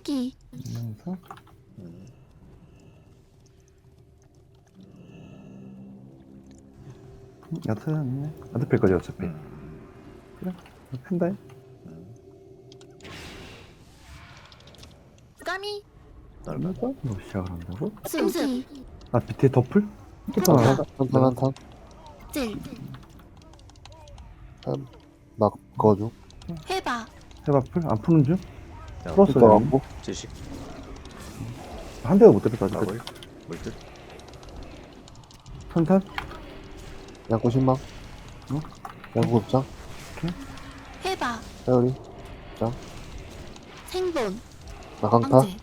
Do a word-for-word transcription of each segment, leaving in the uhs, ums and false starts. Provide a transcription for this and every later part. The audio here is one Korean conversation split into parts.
기 하면서 음. 야트네. 야트 뺄 거지 어차피. 음. 그래. 펜다. 음. 까미 넓어. 이거 뭐 시작을 한다고? 승기 아 밑에 덧풀? 한타. 하나. 한탄 한탄 찔 나 그거죠. 해봐 해바풀 안 푸는 중? 자, 풀었어. 그거 여기. 갖고 지식. 한 대가 못 때렸다 아직까지. 마블. 물뜻. 선탄? 양구 신망 어? 양구 급장 해봐 회오리 생본 나 강타 황제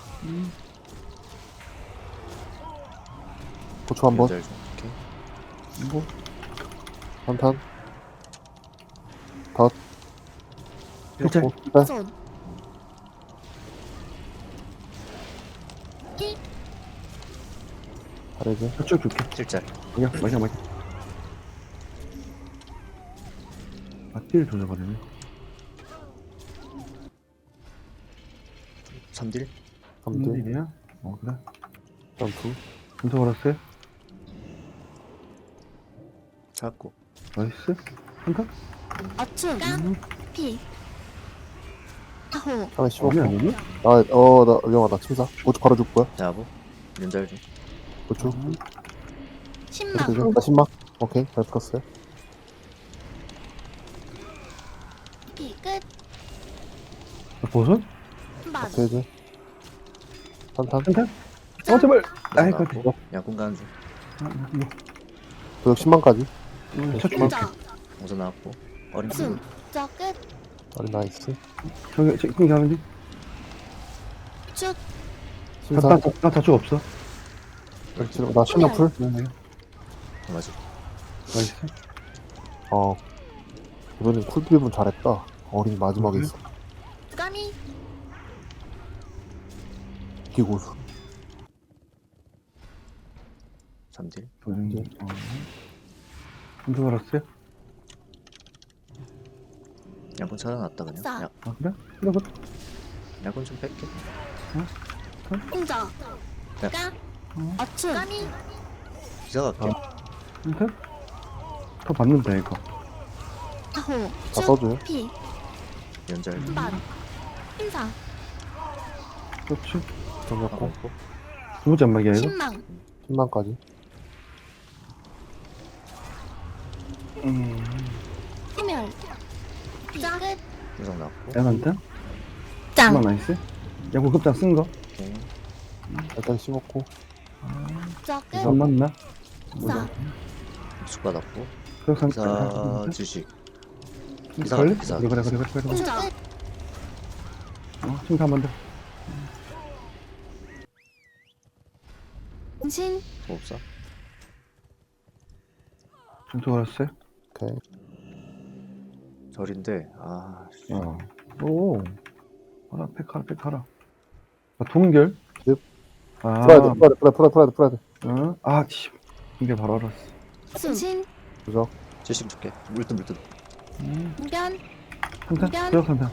고추 한번 연절 좀. 오케이. 뭐? 한탄 덧 일절. 고 네. 손 히 다르지 쭉 줄게. 칠짤. 마셔 마셔 마셔. 아 띠를 조져버리네. 삼딜. 삼딜 일이야? 어 그래. 점프 분석 걸었어요? 찾고. 나이스. 한탄? 어춤 음. 피 아호 처음에 씹었고 어디 아니니? 아어나 위험하다 침사 고추 바로 줄 거야 자부. 연절 좀. 고추 음. 신망 되죠 나 신망 오케이 잘 풀었어요 피끝 버섯? 한반 되지 한탄 한탄? 어 제발. 아이 그. 나왔고. 양꾼 가는 중. 아, 이거. 도역 신망까지 첫 줄. 공자 우선 나왔고. 어린 승 분. 저끝 어리 나이스 저기 저기 킹 가는 중. 쭉 신사 나나 다줄 없어. 그렇지. 나 신망 풀 네, 네. 맞아. 나이스. 어 이번엔 쿨 드리븐 잘했다 어린 마지막에 음. 있어 까미 기고수 삼딜. 도전기. 어. 분석 걸었어요? 양꾼 찾아놨다 그냥. 싸. 야, 아 그래? 그래 그래. 양꾼 좀 뺄게. 공자 네. 까 어. 어춤 까미 기사 갈게. 한탄? 더 받는다 이거. 아호 다 쭉 써줘요 피 연절. 한반 신사 그렇지. 정렸고 하고. 두 번째 안마기야 이거? 신망 신망까지 음. 해멸 피끝 우선 나왔고. 야간탄? 짱 한번 나이스. 야구 급장 쓴 거? 오케이. 일단 씹었고 저끝 안 맞나? 싸 수 받았고. 그래서 한 기사 지식. 기사 걸려? 기사. 그래 그래 그래 그래 그래. 공자 어, 지금 한번 더. 신 뭐 없어? 분석 걸었어요? 오케이 절인데 아 씨. 어. 오. 하라 팩하라 팩하라. 아 동결? 넵. 아. 풀어야 돼 풀어야 돼 풀어야 돼 풀어야 돼 풀어야 돼 어? 아 씨. 이게 바로 알았어. 승신 그죠 지식 줄게. 물뜻 물뜻. 음. 변 한탄? 변. 들어 한탄.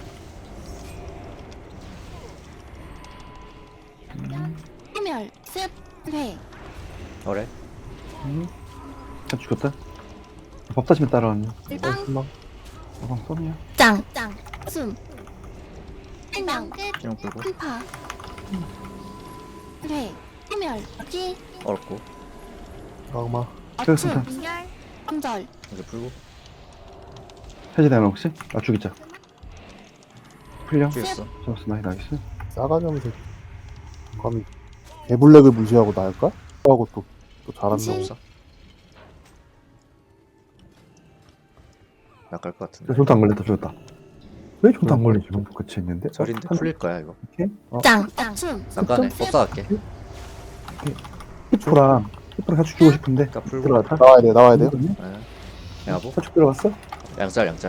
해멸 습회 어래. 음. 잘 죽였다. 법다시면 따라왔네. 일방 신망 어방 썸이야. 짱짱숨 해명 끝 신용 풀고. 한파 회 해멸 기 어렵고. 악마 그래서 어춤 다- 인결 한절 이제 풀고. 해제되나 혹시? 아 죽이자. 풀려? 죽였어. 잡았어 나이 나이스. 싸가지 없는 새끼 감히 개블랙을 무시하고 나일까? 하고 또, 또 잘한다 신. 없어. 나갈 것 같은데. 저도 안 걸렸다 죽였다. 왜 저도 안 걸리지? 지금 그치 있는데? 절인데 어, 풀릴 거야 이거. 이렇게? 어, 짱 어춤 잠깐에 습. 법사 갈게. 히프랑 히프랑 같이 주고 싶은데 그러니까 풀고. 들어갔다? 나와야 돼 나와야 돼요 네. 야보. 사축 들어갔어? 양짤 양짤.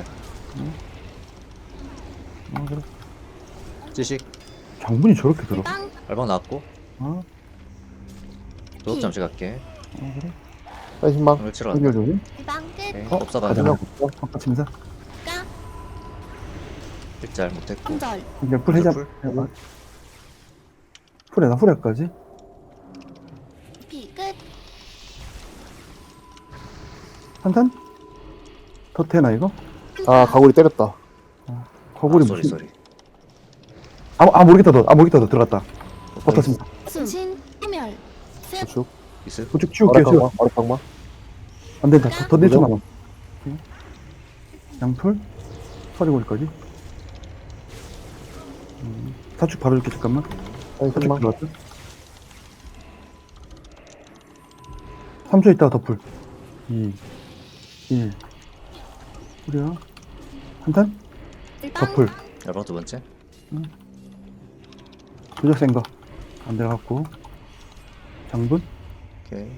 어 그래. 지식. 장군이 저렇게 들어? 빵 알방 나왔고. 어? 도덕 잠시 갈게. 어 그래? 빨리 신망 오늘 치러 간다. 연결 조심. 일방 끝 오케이. 어? 법사 가자. 가자. 바깥침사 까 일짤 못했고. 한절 연결 풀 해자. 풀. 해봐. 후레다, 후레까지. 피 끝. 한탄? 더 되나, 이거? 아 가구리 때렸다. 거구리 아, 쏘리 무슨. 쏘리. 아, 아, 모르겠다, 너. 아, 모르겠다, 너. 들어갔다. 버텼습니다. 숨신 소멸 습 우측. 있을? 우측 치울게요, 치울. 어락강마. 어락강마. 안 된다. 더, 더 내쳐 그죠? 남아. 양풀? 서리고리까지. 음, 사축 바로 줄게, 잠깐만. 사인 사축 신망. 들어갔다. 삼 초 있다가 덮풀. 이, 일. 뿌려. 한탄? 덮풀. 여러 두 번째. 도적 센 거. 안 들어갔고. 장분? 오케이.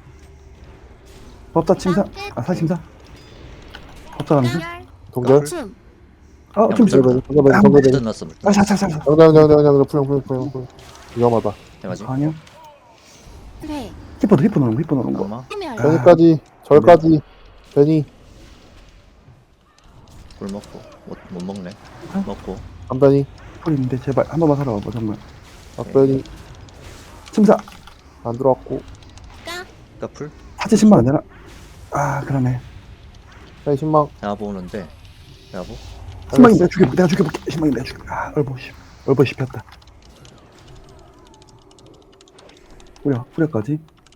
법사 침사. 아, 사침사. 법사 감수. 동결. 숨 아, 좀 야, 세. 동결. 동결. 아, 동결. 물든 났어 물든. 아, 자, 자, 자, 자. 정정 정정 정정 풀영 풀영 풀영 풀영. 위험하다. 해맞이. 아니요. 회 히퍼도 히퍼 넣는 거, 히퍼 넣는 거. 강마. 소멸 아. 변이까지 절까지 변이 굴 먹고 못, 못 먹네. 어? 먹고. 한변이 폴인데 제발 한 번만 살아와봐 정말. 앞변이 침사. 안 들어왔고 까 까풀. 사치 십만 안 되나? 아, 그러네. 사인 신망. 야보 오는데. 야보. 십만이 내가 죽여볼게. 내가 죽여볼게. 십만이 내가 죽여볼게. 아, 얼버 씹. 얼버 씹혔다. 뿌려, 뿌려까지.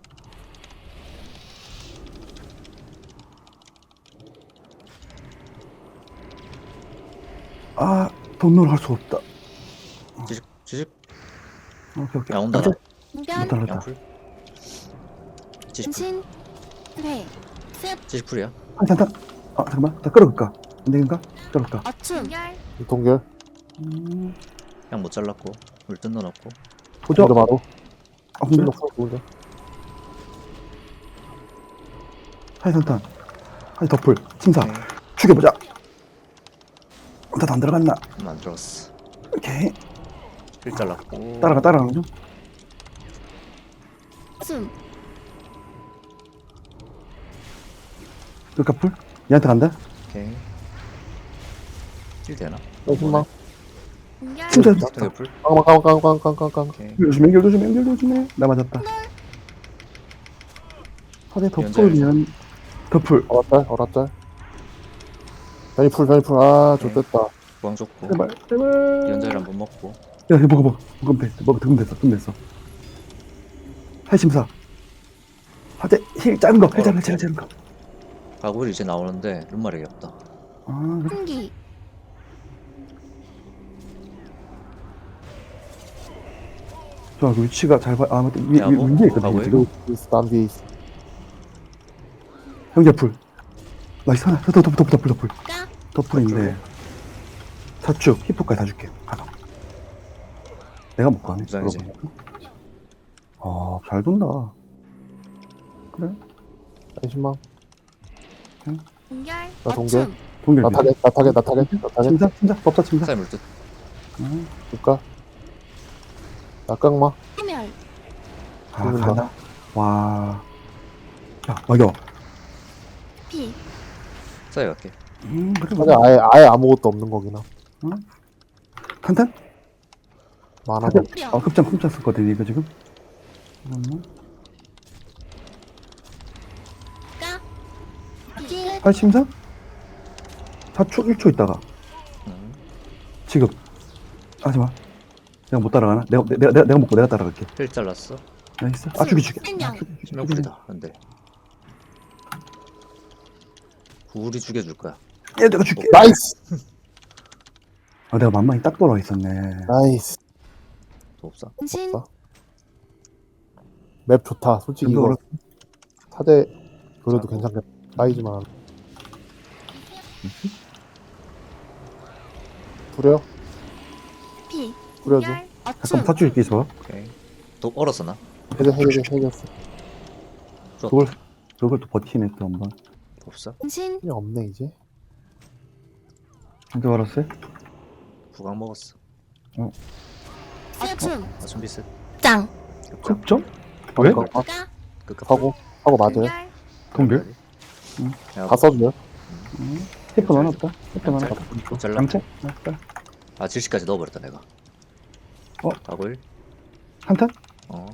아, 돈으로 할 수 없다. 지식 지식. 오케이, 오케이. 야 온다 나. 공변 못다 못다. 양풀. 지식 풀. 신 회습 지식 풀이야. 한 잔, 아, 잠깐만. 나 끌어갈까? 안 되는가? 끌어갈까? 어춤 동결. 음, 양 못 잘랐고. 물든 넣어놓고. 도적. 먼저 바로. 아, 근데 실로 풀 좋은데. 하이산탄. 하이 덮풀. 침사. 오케이. 죽여보자. 나도 안 들어갔나? 음, 안 들어갔어. 오케이. 힐 잘랐고. 따라가, 따라가는 중. 숨 그러니까 풀. 얘한테 간다. 오케이. 힐 되나? 사인 신망. 공결 진짜 되게 풀. 깡깡 깡깡 깡깡 깡깡. 오케이. 연결 조심, 연결 조심, 연결 조심해. 나 맞았다. 하대 덮풀이면 덮풀. 어라짤 어라짤. 변이 풀 변이 풀. 아 오케이. 좋됐다. 구강 좋고. 제발, 제발. 연자를 한번 먹고. 야, 이거 먹어, 먹어. 먹으면 돼. 먹어, 득음 됐어, 득음 됐어. 팔심사. 하대 힐 작은 거, 힐 작은 거, 힐 작은 거. 가구리 이제 나오는데 룸마력이 없다. 아, 그래. 한기 좋아, 그 위치가 잘 봐. 아, 맞다. 위, 야, 위, 뭐, 위에 있거든, 가고요? 지금. 있어 남 뒤에 있어. 형제 풀. 나이스, 하나. 더, 더, 더, 더, 덮풀, 덮풀. 까 덮풀인데. 사축, 히포까지 다 줄게. 가자. 내가 못 가네. 무장이지. 아, 잘 돈다. 그래. 사인 신망. 공결 나 동결. 어춤 동결. 나 타겟 나 타겟 나 타겟 나 타겟. 침사, 침사, 법사 침사. 사이 물든. 음. 줄까? 나 깡마. 소멸 아, 죽는다. 가나. 와. 야, 맞아. 피 사이 갈게. 음, 그래. 타겟 아예 아예 아무것도 없는 거긴 하. 탄탄? 많아. 타겟. 뿌려 아, 급장, 급장 썼거든, 이거 지금. 잠깐만. 까 기 팔심사? 사축 일 초 있다가. 음. 지금. 하지 마. 내가 못 따라가나? 내가, 내가, 내가, 내가 먹고 내가 따라갈게. 힐 잘랐어. 나이스. 아, 죽이, 죽이. 안녕. 아, 죽이, 죽이, 신명 죽이. 풀이다. 안돼. 구울이 죽여줄 거야. 야, 내가 줄게. 나이스. 아, 내가 만만히 딱 돌아와 있었네. 나이스. 더 없어. 신 없어. 맵 좋다. 솔직히 이거 이거 어렵- 타겟 그래도 괜찮겠다. 사이즈만. 부려? 피 뿌려줘. 공결 잠깐 어춤 사축 있게 있어. 오케이. 또 얼었어 나. 해제 해제 해제했어. 그걸, 그걸 또 버티네, 또 한 번. 없어. 신 힘이 없네 이제. 언제 알았어요? 구강 먹었어. 어춤 아 준비 셋. 짱 급장. 급점? 왜? 아, 까 끝cấp. 하고 하고 맞아요. 공결 동결? 야, 다 써줘요. 히퍼 넣어놨다. 히퍼 넣어놨다. 잘라. 양채? 맞다. 아 질식까지 넣어버렸다 내가. 어? 가구일. 한탄? 어.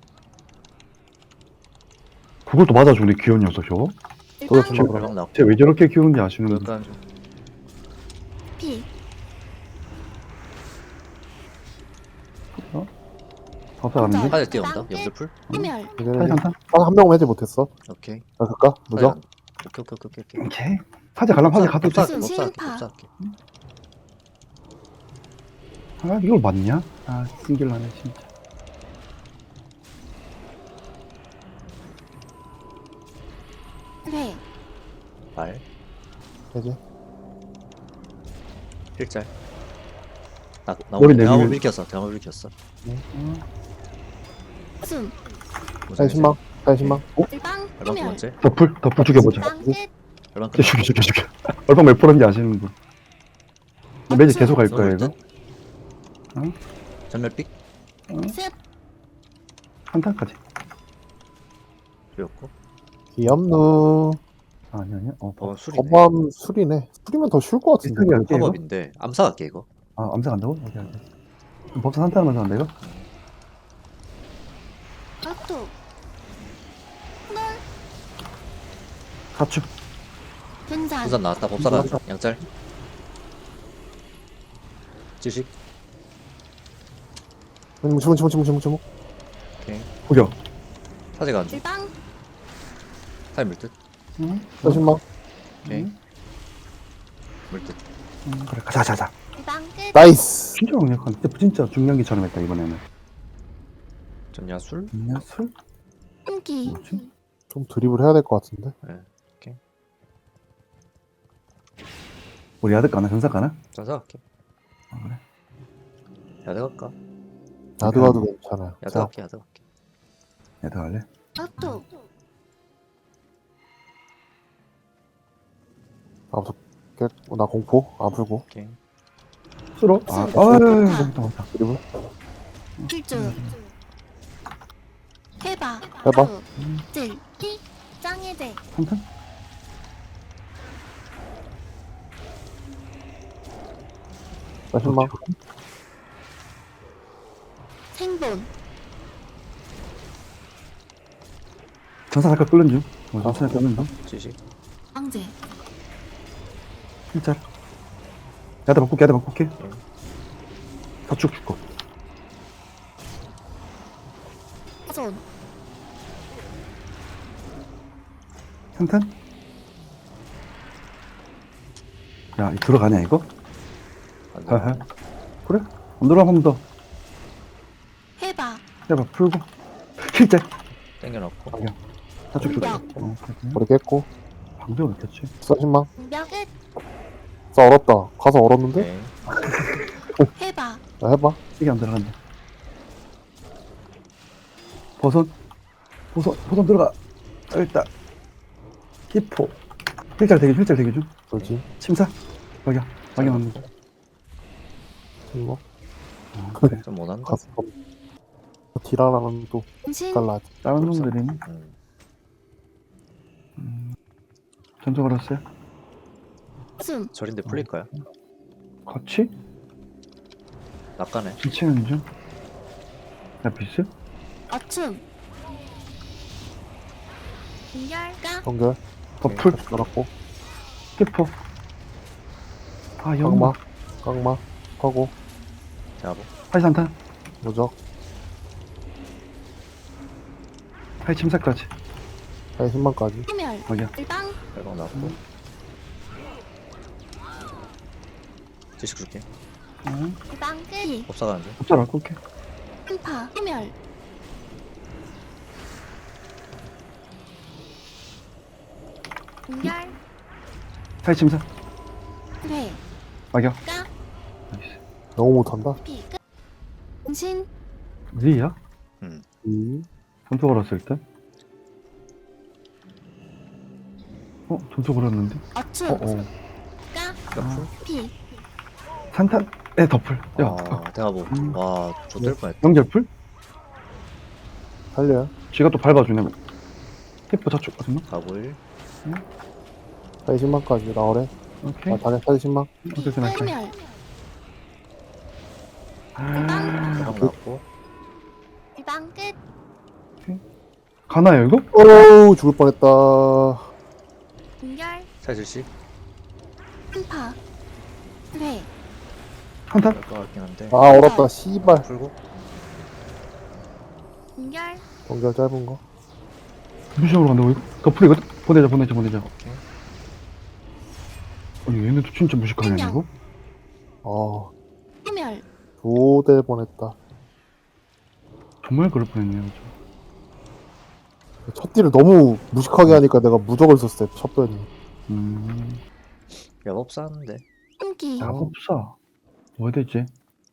그걸 또 맞아주네, 귀여운 녀석, 저거. 또 일방 주먹으로. 별방 나고. 쟤 왜 저렇게 귀여운지 아시는 분? 약간 피 법사 가는데? 화재 뛰어온다. 염두풀. 소멸 사제 한탄? 한 명은 해지 못했어. 오케이. 나 갈까? 무적? 화재 안- 오케이 오케이 오케이 오케이. 오케이. 사제 가려면 사제 가도 돼. 법사 무슨 법사 신파. 법사 할게. 아, 이걸 맞냐? 아, 신길나네, 진짜. 회 말. 해지. 필짤. 나 머리 나오면 대화물 내리면- 일켰어. 대화물 일켰어. 숨 사이 십망. 사이 십망. 일방 별방 두 소멸 번째. 덮풀, 덮풀 죽여보자. 일방 끝 별방 죽여, 죽여, 죽여, 죽여. 얼방 몇 프로인지 아시는 분. 매직 계속 갈 거야, 이거. 응? 전멸픽 습 한탄까지. 뛰었고. 귀엽누. 아, 아니, 아니야. 어, 법. 어 술이네. 법암 술이네. 술이면 더 쉬울 것 같은데. 비슷하게 할게, 이거. 화법인데 암사 갈게 이거. 아, 암사 간다고? 오케이, 오케이. 법사 한탄 하면서 한다, 이거? 어토 널 가축. 분산 부산 나왔다. 법사 가는 양짤. 지식. 주문 주문 주문 주문 주문. 오케이. 구겨. 사제 가는 중. 일방 타임 물듯. 응? 사이 십망. 오케이. 응? 물듯. 응, 그래, 가자, 가자, 가자. 일방 끝 나이스. 진짜 강력한, 진짜, 진짜 중량기처럼 했다, 이번에는. 전야술. 있냐, 술? 숨기 뭐지? 좀 드립을 해야 될 것 같은데. 우리 아들 가나, 전사 가나? 전사 갈게. 아, 그래? 야드 갈까? 나도 가도 괜찮아요. 야드 자, 갈게. 야드 갈게. 얘들 갈래? 어토 아무튼 깨- 나 공포 안 풀고 오케이. 술어? 아, 술. 아유, 술. 맞다, 맞다. 드립을. 필주 해봐 해봐. 찔히 짱해대 한탄? 사이 십망. 생본 전사 잠깐 끓는 중. 어, 전사 끓는 중. 지식. 황제 진짜. 야들 바꿀게, 야들 바꿀게. 사축 줄거. 손 한탄? 야, 이 들어가냐, 이거? 안 하하. 돼. 그래? 안 들어가, 한 번 더. 해봐 해봐, 풀고. 킬째. 땡겨놓고. 사축 줄게. 야. 어, 그렇구나. 머리 깼고. 방벽을 켰지. 사이 십망. 공격 끝 싸 얼었다. 가서 얼었는데? 오케이. 해봐 나 해봐. 이게 안 들어간다. 버섯. 버섯, 버섯 들어가. 일단. 히포. 힐짤 대기, 힐짤 대기 중. 그렇지. 침사. 막여. 막여합니다. 이거 어, 그래. 좀 못한다. 가서 딜하라면 또 신 달라. 다른 놈들이 음. 전투 걸었어요? 숨 절인데 풀릴까요? 같이? 낚아네. 비치는 중? 야, 비스? 어춤 공결가 연결. 버풀? 열었고. 히포. 아, 영마. 깡마. 깡마. 하고. 대화보. 하이산탄. 무적. 하이 침사까지. 사이 십망까지. 소멸 막여. 일방 별방 나왔고. 지식 줄게. 응. 일방 끝 법사 가는 중. 흡잘 안 꿀게. 한파 소멸 공결 하이 침사. 회 막여. 까 나이스. 너무 못한다. 피 끝 신 리야? 음. 이. 전투 걸었을 때? 어? 전투 걸었는데? 어춤 어, 어. 까 옆풀. 피 산탄? 에, 덮풀. 야, 아, 대화보. 음. 와, 좆될 뻔했다. 영절풀? 살려요. 쥐가 또 밟아주네. 히포 저쪽 거든요 가불. 사이 십망까지 나오래. 오케이. 아, 다리 사이 십망. 어쨌든 할게. 소멸 아, 대방 나왔고. 끝. 가나요 이거? 어우 죽을 뻔했다. 공결. 사실씩 한파. 회. 한타? 될것 같긴 한데. 아 얼었다 씨발. 풀고 공결. 연결 짧은 거. 무시하러 간다고 이거? 더풀이거든? 보내자 보내자 보내자. 오케이. 아니 얘네도 진짜 무식하네 안녕. 이거? 아 소멸. 조대 뻔했다. 정말 그럴 뻔했네요 그죠? 첫 딜을 너무 무식하게 하니까 내가 무적을 썼어요 첫 변이. 음... 야법사 하는데. 숨기. 야법사 뭐 해야 되지?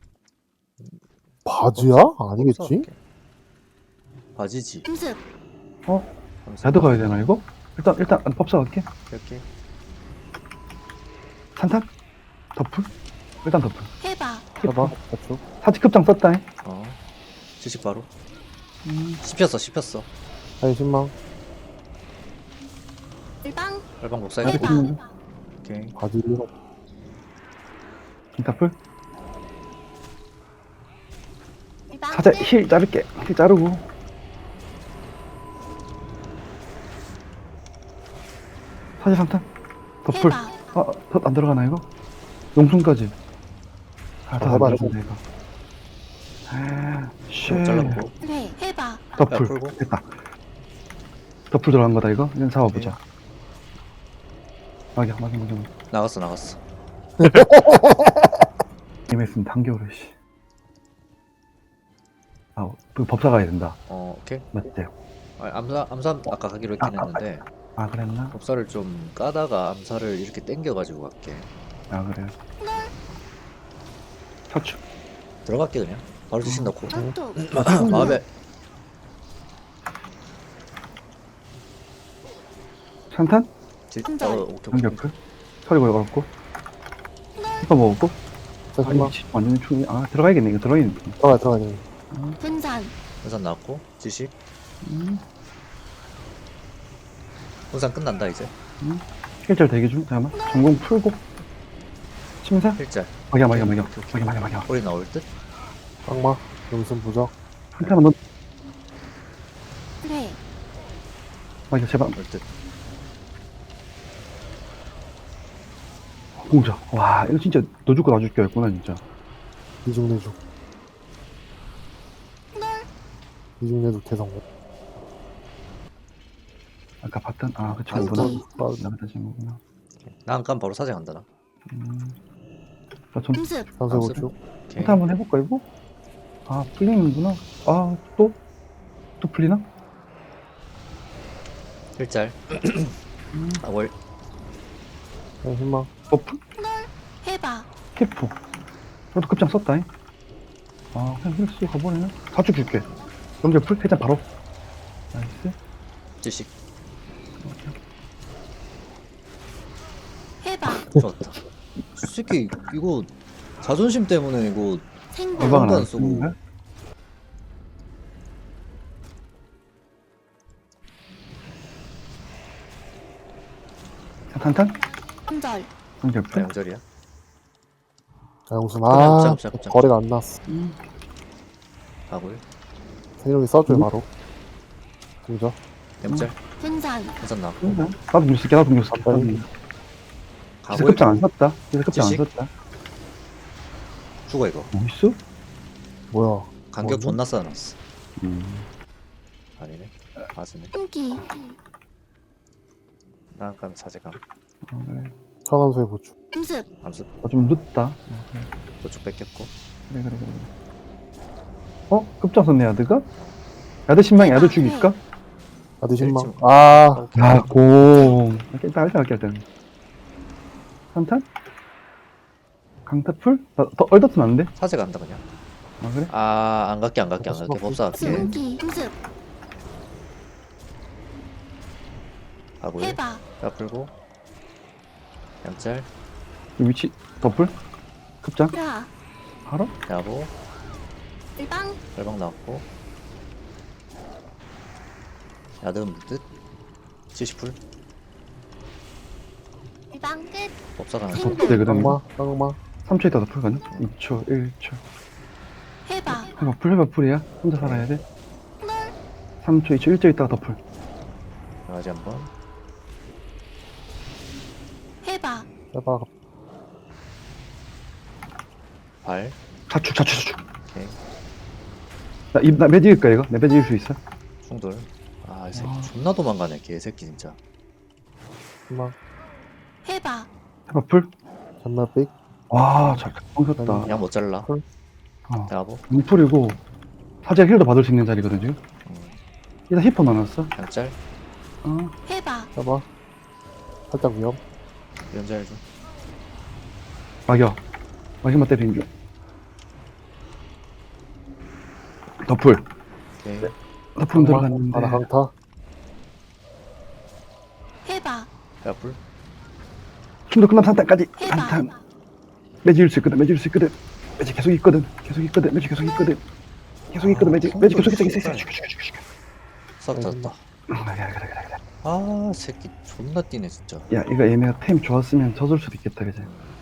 바지야? 아니겠지? 법사 할게. 바지지. 음습. 어? 야드 가야 되나 이거? 일단 일단 법사 갈게. 이렇게. 산탄? 더풀? 일단 더풀. 해봐. 해봐. 맞죠? 사치 급장 썼다 잉. 어. 지식 바로. 음... 씹혔어 씹혔어. 사인 신망. 일방. 얼방 복사해. 야드 해봐. 찍는 거. 오케이. 바지 일어. 더풀? 일방. 사자 끝. 힐 자를게. 힐 자르고. 사자 산탄? 더풀. 해봐. 아, 덧안 들어가나 이거? 용순까지. 아, 아, 다안 해봐, 들어간다 이거. 아, 쉣. 잘랐고. 회. 해봐. 더풀. 야, 풀고. 됐다. 더풀 들어간 거다 이거? 이제 잡아보자. 막이야, 막이 먼저. 나갔어 나갔어. 임했으면 단겨울에 씨. 아, 그 법사 가야 된다. 어 오케이. 맞지? 아, 암사 암사 아까 가기로 했긴 아, 아, 했는데 아, 그랬나? 법사를 좀 까다가 암사를 이렇게 땡겨가지고 갈게. 아, 그래. 사추. 들어갈게 그냥. 바로 지식 넣고. 전투. 마음에 산탄? 지, 어, 한절. 오케이 오케이. 단겨풀? 서리 걸었고. 이거 먹었고. 사인 아, 신망. 이 완전히 충이. 아, 들어가야겠네. 이거 들어가야겠네. 들어가 들어가. 야 분산. 분산 나왔고 지식. 음, 분산 끝난다 이제. 힐절 대기 중. 잠깐만. 전공 풀고. 침사? 일짤. 막이야, 막이야, 막이야. 막이야, 막이야, 막이야. 꼬리 나올 듯. 악마. 용순 부적. 한타만 넣. 회. 막이야, 제발. 올 듯. 공자. 와, 이거 진짜 너 죽고 나 죽게 했구나, 진짜. 이중 내죽. 이중 내죽 대성공. 아까 봤던, 아, 그 아, 친구구나. 또- 나갔다 친구구나. 난간 바로 사제 간다 나. 음. 나 전, 음습. 산세고축. 오케이. 한타 한번 해볼까, 이거? 아, 풀리는구나. 아, 또? 또 풀리나? 일짤. 아 월. 사인 신망. 버프? 해봐. 캐프. 나도 급장 썼다잉. 아, 그냥 힐 쓰고 가버리네. 사축 줄게. 연결 풀? 해장 바로. 나이스. 지식. 해봐. 좋았다. 이 새끼 이거 자존심 때문에 이거 생각. 얼마가 안 나 쓰고. 쓰고. 탄탄? 한절. 연결 나 풀? 영절이야. 아 용순. 그냥 아 짭, 짭, 짭. 거래가 안 났어. 가골. 세력이 써줘요 음. 바로. 공자. 영짤. 분산. 분산 나왔고. 음. 나도 뉴스 쓸게, 나도 뉴스 쓸게. 아, 나도 빨리. 뉴스. 기사 가골. 급장 안 썼다. 기사 급장 안 지식? 썼다. 죽어 이거. 뭐 있어? 뭐야? 간격 뭐지? 존나 쌓아놨어. 음. 아니네. 맞으네. 숨기. 난간 사제감. 아, 그래. 천원소의 보충. 음습. 암습. 아, 좀 늦다. 어, 그래. 도축 뺏겼고. 그래, 그래, 그래. 어? 급장 썼네, 야드가? 야드 신망, 야드 죽일까? 아드 신망. 일찍. 아 오케이. 아, 공. 일단, 일단, 일단, 일단. 한탄? 강타풀? 나, 더 얼더트면 안 돼? 사제 간다 그냥. 아, 그래? 아, 안 갈게 안 갈게 안 갈게. 법사 갈게. 숨기. 음습. 가골. 해봐. 야 풀고. 양짤. 이 위치, 더풀? 급장? 라. 바로? 야보. 일방. 열방 나왔고. 야드는 물듯. 칠십 풀. 일방 끝. 법사 가는 생- 거. 되거든. 악마. 악마. 삼 초 있다 더풀 가냐? 이 초, 일 초. 해봐. 해봐, 풀, 해봐, 풀이야? 혼자 살아야 돼? 삼 초, 이 초, 일 초 있다가 덮을. 강아지 한번. 해봐. 해봐. 발. 자축, 자축, 자축. 오케이. 나, 입, 나 매직일까, 이거? 내 매직일 수 있어? 충돌. 아, 이 새끼 아. 존나 도망가네, 개새끼 진짜. 희망. 해봐. 해봐, 풀. 잔나 삑. 와, 잘, 뻥쳤다. 양 못 잘라. 헐. 어. 대하고. 눈풀이고, 사제 힐도 받을 수 있는 자리거든, 지금. 음, 일단 히퍼 넣어놨어. 양짤. 어. 해봐. 해봐. 살짝 위험. 연잘 좀. 막여. 막여만 때리는 중. 덮을. 오케이. 덮음 들어갔는데. 바다 강타. 해봐. 대하풀. 춤도 끝난 상태까지. 해봐. 한탄. 매직일 수 있거든, 매직일 수 있거든. 매직 계속 있거든. 계속 있거든, 매직 계속 있거든. 계속 있거든, 매직. 매직 계속 있어, 있어, 있어. 죽여, 죽여, 죽여, 죽여. 싹 졌다. 그래, 그래, 그래, 그래, 그래. 아, 새끼 존나 뛰네 진짜. 야, 이거 얘네가 템 좋았으면 져줄 수도 있겠다, 그지?